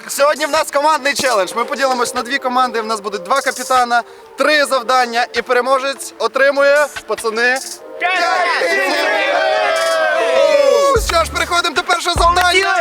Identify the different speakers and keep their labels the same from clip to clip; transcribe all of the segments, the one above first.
Speaker 1: Сьогодні в нас командний челендж. Ми поділимось на дві команди. В нас будуть два капітана, 3 завдання і переможець отримує, пацани, 5 гривень! Що ж, переходимо до першого завдання.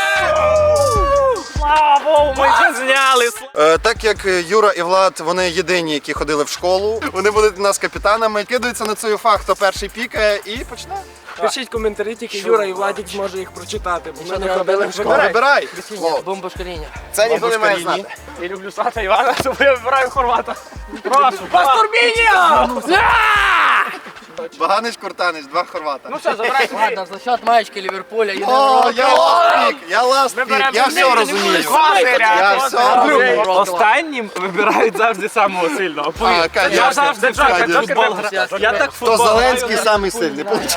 Speaker 2: Слава Богу, ми вже зняли.
Speaker 1: Так як Юра і Влад, вони єдині, які ходили в школу, вони будуть у нас капітанами, кидаються на цю фах, хто перший пікає і почне.
Speaker 3: Пишіть коментарі, тільки Юра і Владик зможе їх прочитати, бо ми не ходили в школу.
Speaker 1: Вибирай.
Speaker 4: Бомбошкаління.
Speaker 1: Це ніхто не має знати.
Speaker 2: Я люблю Сата Івана, тому я вибираю хорвата. Прошу. Пастурбіння!
Speaker 1: Баганич, Куртанич, 2 хорвата.
Speaker 2: Ну все, забирайте.
Speaker 4: Ладно, за счет маєчки Ліверпуля.
Speaker 1: О, я ласт пік, я все розумію. Я все розумію.
Speaker 2: Останнім вибирають завжди самого сильного.
Speaker 1: А, конечно,
Speaker 2: Я завжди
Speaker 1: конечно.
Speaker 2: футбол граю. Я так
Speaker 1: Хто
Speaker 2: футбол
Speaker 1: Зеленський самий сильний, виходить.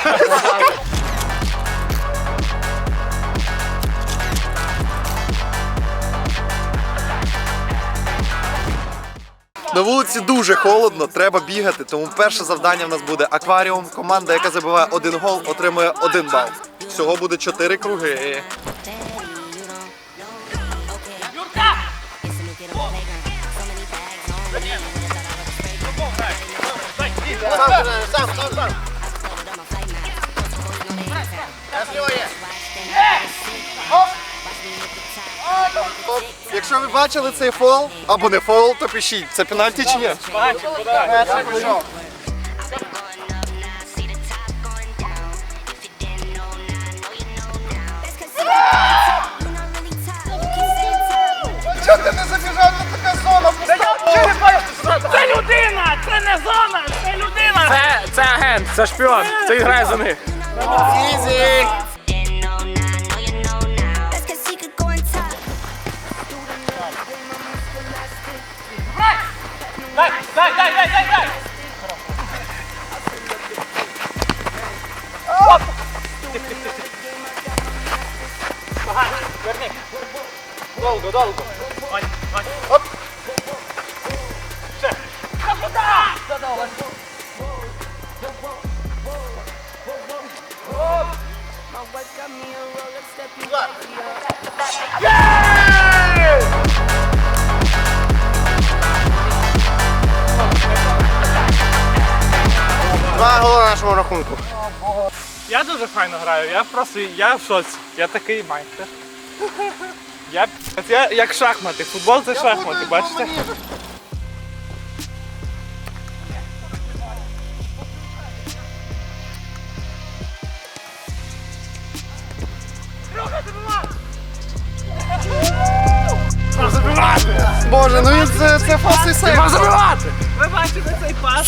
Speaker 1: На вулиці дуже холодно, треба бігати, тому перше завдання в нас буде акваріум. Команда, яка забиває 1 гол, отримує 1 бал. Всього буде 4 круги. Якщо ви бачили цей фол, або не фол, то пишіть, це пенальті чи ні? Чого ти не забіжав, тут така зона пуста?
Speaker 2: Це людина! Це не зона! Це людина! Це агент, це шпіон, це грає за них.
Speaker 1: Ізі!
Speaker 2: Дай! Верни. Долго. Вань.
Speaker 1: Оп!
Speaker 2: Ще.
Speaker 1: Два голи на нашому рахунку.
Speaker 2: Я дуже файно граю, я в шоці. Я такий майстер. Я як шахмати, футбол це шахмати, бачите?
Speaker 1: Боже, ну він це фасий сейф.
Speaker 2: Ви бачите цей пас?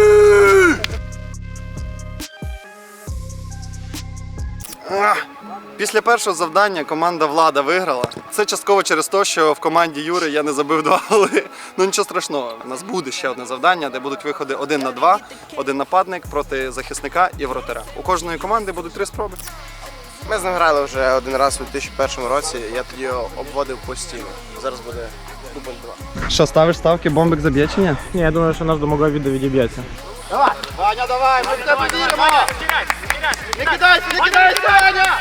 Speaker 1: Після першого завдання команда Влада виграла. Це частково через те, що в команді Юри я не забив 2 голи. Ну нічого страшного. У нас буде ще одне завдання, де будуть виходи 1 на 2, 1 нападник проти захисника і вратаря. У кожної команди будуть 3 спроби.
Speaker 5: Ми з ним грали вже 1 раз у 2001 році, я тоді його обводив постійно. Зараз буде дубль 2.
Speaker 1: Що, ставиш ставки, бомбик заб'є чи ні?
Speaker 2: Ні, я думаю, що наш домоговий відео відіб'ється.
Speaker 1: Ваня, давай, ми в тебе віримо! Не кидайся, Ваня!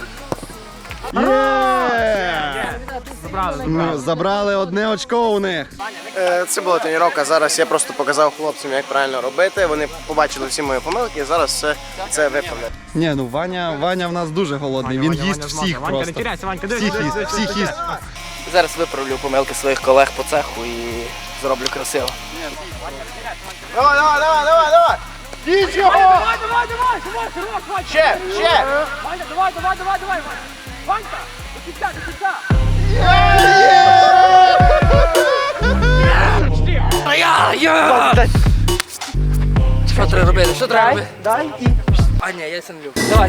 Speaker 1: Ми забрали 1 очко у них.
Speaker 5: Це була тренування, зараз я просто показав хлопцям, як правильно робити. Вони побачили всі мої помилки і зараз все це виправляють.
Speaker 1: Ні, ну Ваня в нас дуже голодний, він їсть всіх просто. Всіх їсть.
Speaker 4: Зараз виправлю помилки своїх колег по цеху і зроблю красиво.
Speaker 5: Давай! Їдь його!
Speaker 2: Давай, Вань!
Speaker 5: Ще!
Speaker 2: Ваня, давай! Ванька, до кінця!
Speaker 4: Що треба робити? Дай і... А, ні, я сам люблю. Давай.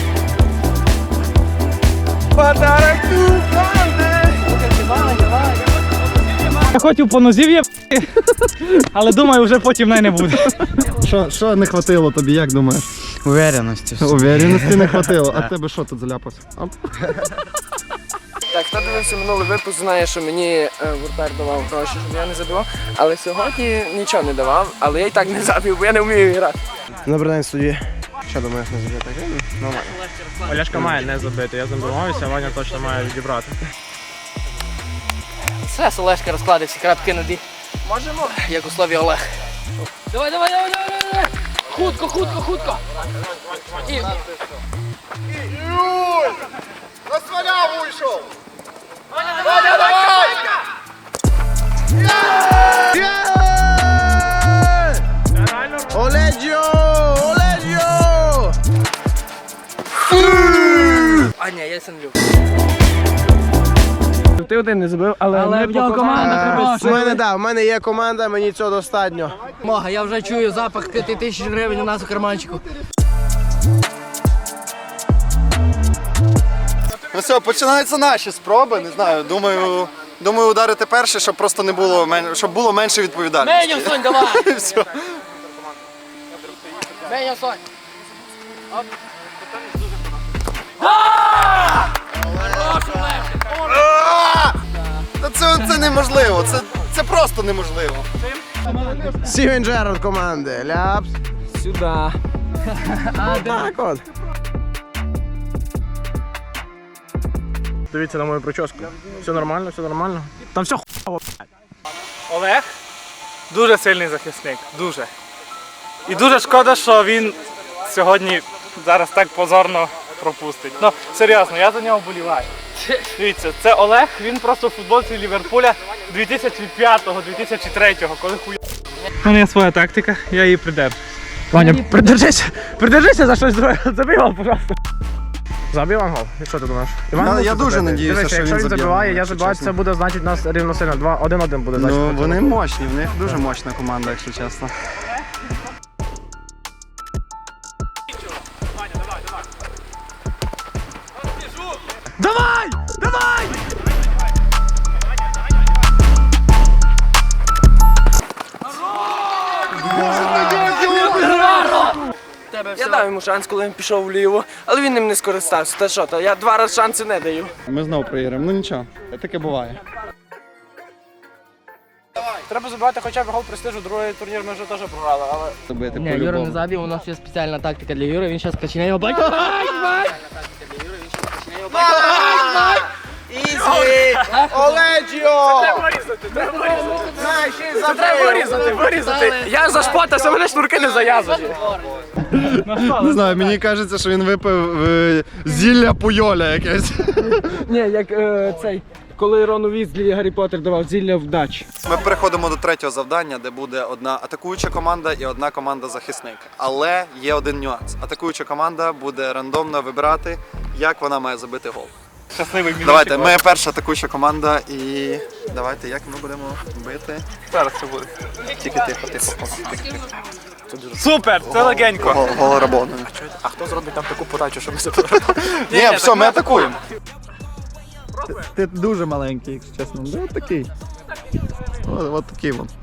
Speaker 2: Я хотів по нозі в'єбати, але думаю, вже потім не буде.
Speaker 1: Що не хватило тобі, як думаєш?
Speaker 3: Увереності.
Speaker 1: Увереності не хватило. А тебе що тут заляпався?
Speaker 3: Так, хто дивився минулий випуск, знає, що мені вратар давав гроші, щоб я не забивав. Але сьогодні нічого не давав, але я і так не забив, бо я не вмію грати.
Speaker 5: Добрий день, студії. Що думаєш, не заб'є так? Нормально.
Speaker 2: Олешка має не забити, я забиваюся, а Ваня точно має відібрати.
Speaker 4: Все, Олешка розкладе всі крапки над «і».
Speaker 3: Можемо?
Speaker 4: Як у слові Олег. Давай, давай, давай, давай, давай. Хутко, хутко, хутко. І...
Speaker 1: На сваляву йшов!
Speaker 5: Оледжо! Оледжо!
Speaker 4: А, ні, я це не люблю.
Speaker 3: Ти один не забив, але
Speaker 4: в нього команда
Speaker 5: В мене є команда, мені цього достатньо.
Speaker 4: Мога, я вже чую запах 5000 гривень у нас у карманчику.
Speaker 1: Ну все, починаються наші спроби, не знаю, думаю ударити перше, щоб просто не було, щоб було менше відповідальності.
Speaker 4: Меню, Сонь, давай!
Speaker 1: Все.
Speaker 4: Меню, Сонь.
Speaker 1: Та це неможливо, це просто неможливо.
Speaker 5: Стівен Джерард команди. Ляпс.
Speaker 3: сюди.
Speaker 5: Так от.
Speaker 2: Дивіться на мою прическу. Все нормально, все нормально. Там все хуйово. Олег дуже сильний захисник, дуже. І дуже шкода, що він сьогодні зараз так позорно пропустить. Ну, серйозно, я за нього вболіваю. Дивіться, це Олег, він просто в футболці Ліверпуля 2005-2003, коли хуй. У мене є своя тактика, я її придержу. Ваня, придержися за щось друге. Забий гол, пожалуйста. Забив гол? І що ти думаєш?
Speaker 1: Я дуже надіюся, що
Speaker 2: якщо
Speaker 1: він
Speaker 2: він
Speaker 1: заб'є,
Speaker 2: забиває, я
Speaker 1: якщо
Speaker 2: забиваю,
Speaker 1: чесно.
Speaker 2: це буде значить нас рівносильно. 1-1 буде значить.
Speaker 1: Ну, вони мощні, в них дуже мощна команда, якщо чесно.
Speaker 2: Давай! Давай!
Speaker 3: Я дав йому шанс, коли він пішов вліво, але він ним не скористався. Та що, я 2 рази шанси не даю.
Speaker 1: Ми знову проіграємо, ну нічого, таке буває.
Speaker 2: Треба забивати хоча б гол престижу, другий турнір ми вже теж програли, але...
Speaker 1: Забити
Speaker 4: Ні, Юра не забив, у нас є спеціальна тактика для Юри, він зараз качне його бать.
Speaker 5: Ізі! Оледжо!
Speaker 3: Треба вирізати. Я зашпотався, мене шнурки не зав'язані.
Speaker 1: Не знаю, мені кажеться, що він випив зілля Пуйоля якесь.
Speaker 3: Ні, як цей, коли Рону Візлі Гаррі Поттер давав зілля вдачі.
Speaker 1: Ми переходимо до третього завдання, де буде одна атакуюча команда і одна команда захисник. Але є один нюанс. Атакуюча команда буде рандомно вибирати, як вона має забити гол.
Speaker 2: Щасливий мінус.
Speaker 1: Давайте, ми перша атакуюча команда і давайте, як ми будемо бити.
Speaker 2: Зараз це буде.
Speaker 1: Тільки тихо, тихо.
Speaker 2: Супер, це легенько.
Speaker 1: Гол Рабону.
Speaker 2: А хто зробить там таку подачу, щоб ми забили?
Speaker 1: Ні, все, ми атакуємо.
Speaker 6: Ти дуже маленький, якщо чесно. Ну, от такий.
Speaker 1: От такий вон.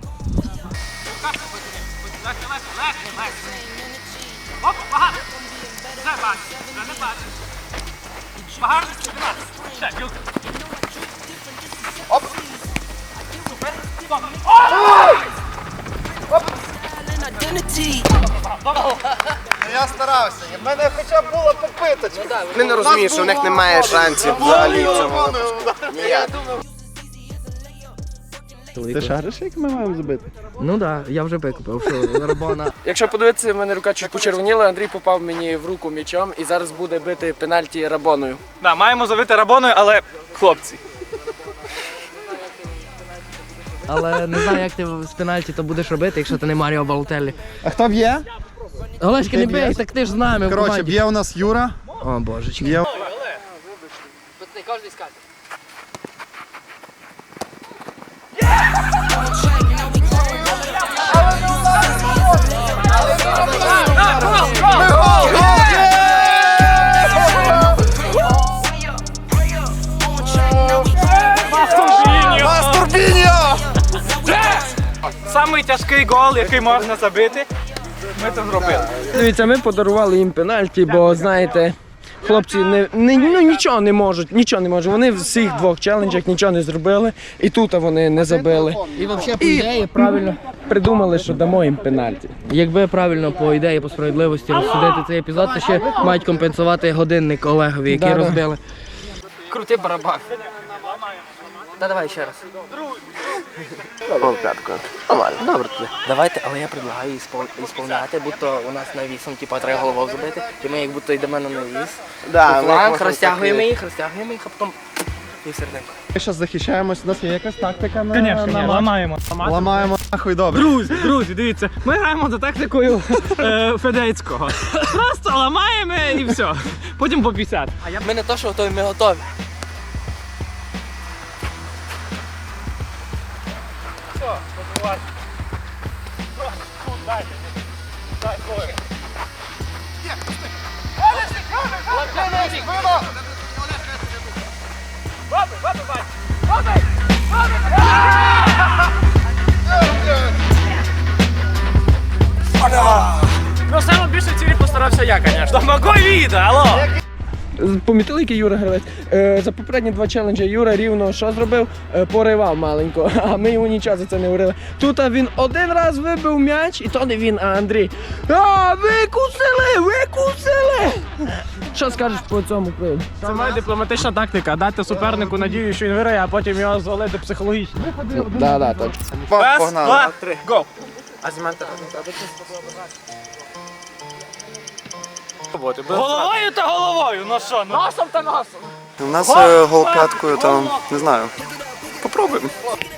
Speaker 1: Я старався, в мене хоча б була попиточка.
Speaker 5: Вони не розуміють, що в них немає шансів взагалі в цьому випуску. Ніяк.
Speaker 6: Ти шариш, як ми маємо забити?
Speaker 4: Ну так, я вже викупив, що Рабона.
Speaker 3: Якщо подивитися, в мене рука чуть почервоніла, Андрій попав мені в руку м'ячом і зараз буде бити пенальті Рабоною.
Speaker 2: Да, маємо забити Рабоною, але хлопці.
Speaker 4: Але не знаю, як ти з пенальті то будеш робити, якщо ти не Маріо Балотеллі.
Speaker 1: А хто б'є?
Speaker 4: Олешка, не бий, так ти ж з нами в
Speaker 1: Коротше,
Speaker 4: команді.
Speaker 1: б'є у нас Юра.
Speaker 4: О, божечки.
Speaker 1: Б'є.
Speaker 4: Кожен скаже.
Speaker 2: Самий тяжкий гол, який можна забити, ми це зробили.
Speaker 3: Дивіться, ми подарували їм пенальті, бо знаєте, хлопці нічого не можуть. Вони в всіх 2 челенджах нічого не зробили, і тут вони не забили.
Speaker 4: І взагалі, по ідеї, правильно.
Speaker 3: Придумали, що дамо їм пенальті.
Speaker 4: Якби правильно по ідеї, по справедливості розсудити цей епізод, то ще мають компенсувати годинник Олегові, який
Speaker 3: Да-да.
Speaker 4: розбили. Крути барабан. Та давай ще раз.
Speaker 5: Гол п'яткою. Нормально.
Speaker 4: Добре тоді. Давайте, але я предлагаю ісполняти, будто у нас навісом, типу, треба головою зробити, і ми як будто йдемо на навіс.
Speaker 5: Да,
Speaker 4: У фланг, розтягуємо їх, а потім і в серединку.
Speaker 1: Ми зараз захищаємось, у нас є якась тактика на
Speaker 2: Звісно, ламаємо.
Speaker 1: Ламаємо нахуй, добре.
Speaker 2: Друзі, дивіться, ми граємо за тактикою Федецького. Просто ламаємо і все. Потім по 50.
Speaker 4: Ми не то, що готові, ми готові.
Speaker 2: Ну, саме більше цілі постарався я, звісно. Могу відео, алло!
Speaker 3: Помітили, який Юра гравець? За попередні 2 челенджі Юра рівно що зробив? Поривав маленько, а ми йому нічого за це не говорили. Тут він один раз вибив м'яч, і то не він, а Андрій. Викусили! Що скажеш по цьому приводу?
Speaker 2: Це моя дипломатична тактика. Дати супернику надію, що він виграє, а потім його звалити психологічно.
Speaker 3: Да, так.
Speaker 2: Раз, два, три, го! Головою та головою, ну що? Носом та носом.
Speaker 1: У нас гол п'яткою, там, не знаю. Попробуємо.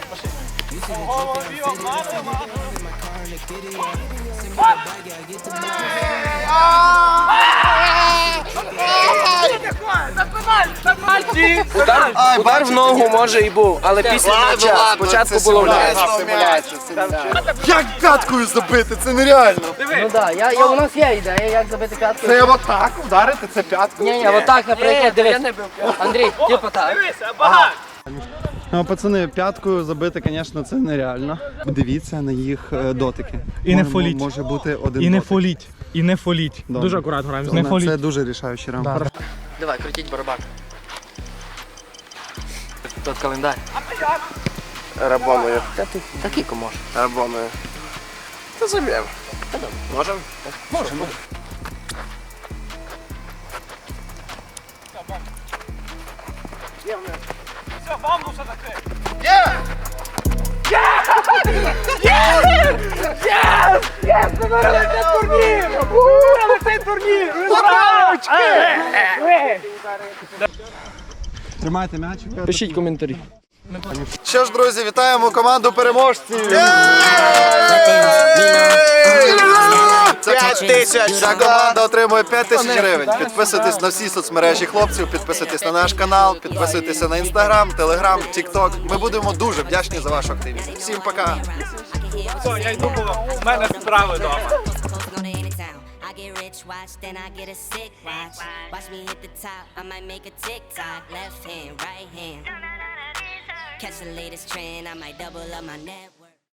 Speaker 5: Удар в ногу може і був, але після м'яча. Спочатку було м'яч.
Speaker 1: Як п'яткою забити? Це нереально.
Speaker 4: Ну так, у нас є ідея, як забити п'ятку.
Speaker 1: Це отак вдарити, це п'яткою.
Speaker 4: Ні, отак, наприклад, дивись. Андрій, типу так.
Speaker 2: Дивися, багато.
Speaker 1: Ну, пацани, п'яткою забити, звісно, це нереально. Дивіться на їх дотики.
Speaker 2: І не фоліть.
Speaker 1: Може бути один
Speaker 2: І не
Speaker 1: дотик.
Speaker 2: фоліть. І не фоліть.
Speaker 1: Добре.
Speaker 2: Дуже акуратно граємо. Не
Speaker 1: Це
Speaker 2: фоліть.
Speaker 1: дуже рішаючий раунд.
Speaker 4: Давай, крутіть барабан. Тут календар.
Speaker 5: Рабоною.
Speaker 4: Та ти такий може.
Speaker 5: Рабоною. Та заб'ємо. Можемо?
Speaker 4: Можемо.
Speaker 2: Все, бамбуса таке.
Speaker 1: Тримайте м'яч.
Speaker 3: Пишіть коментарі.
Speaker 1: Що ж, друзі, вітаємо команду переможців!
Speaker 5: 5 тисяч!
Speaker 1: Ця команда отримує 5 тисяч гривень. Підписуйтесь на всі соцмережі хлопців, підписуйтесь на наш канал, підписуйтесь на Інстаграм, Телеграм, Тікток. Ми будемо дуже вдячні за вашу активність. Всім пока!
Speaker 2: Все, я йду, бо в мене справи вдома.
Speaker 7: I get rich, watch, then I get a sick watch. Watch me hit the top, I might make a TikTok. Left hand, right hand. Catch the latest trend, I might double up my net.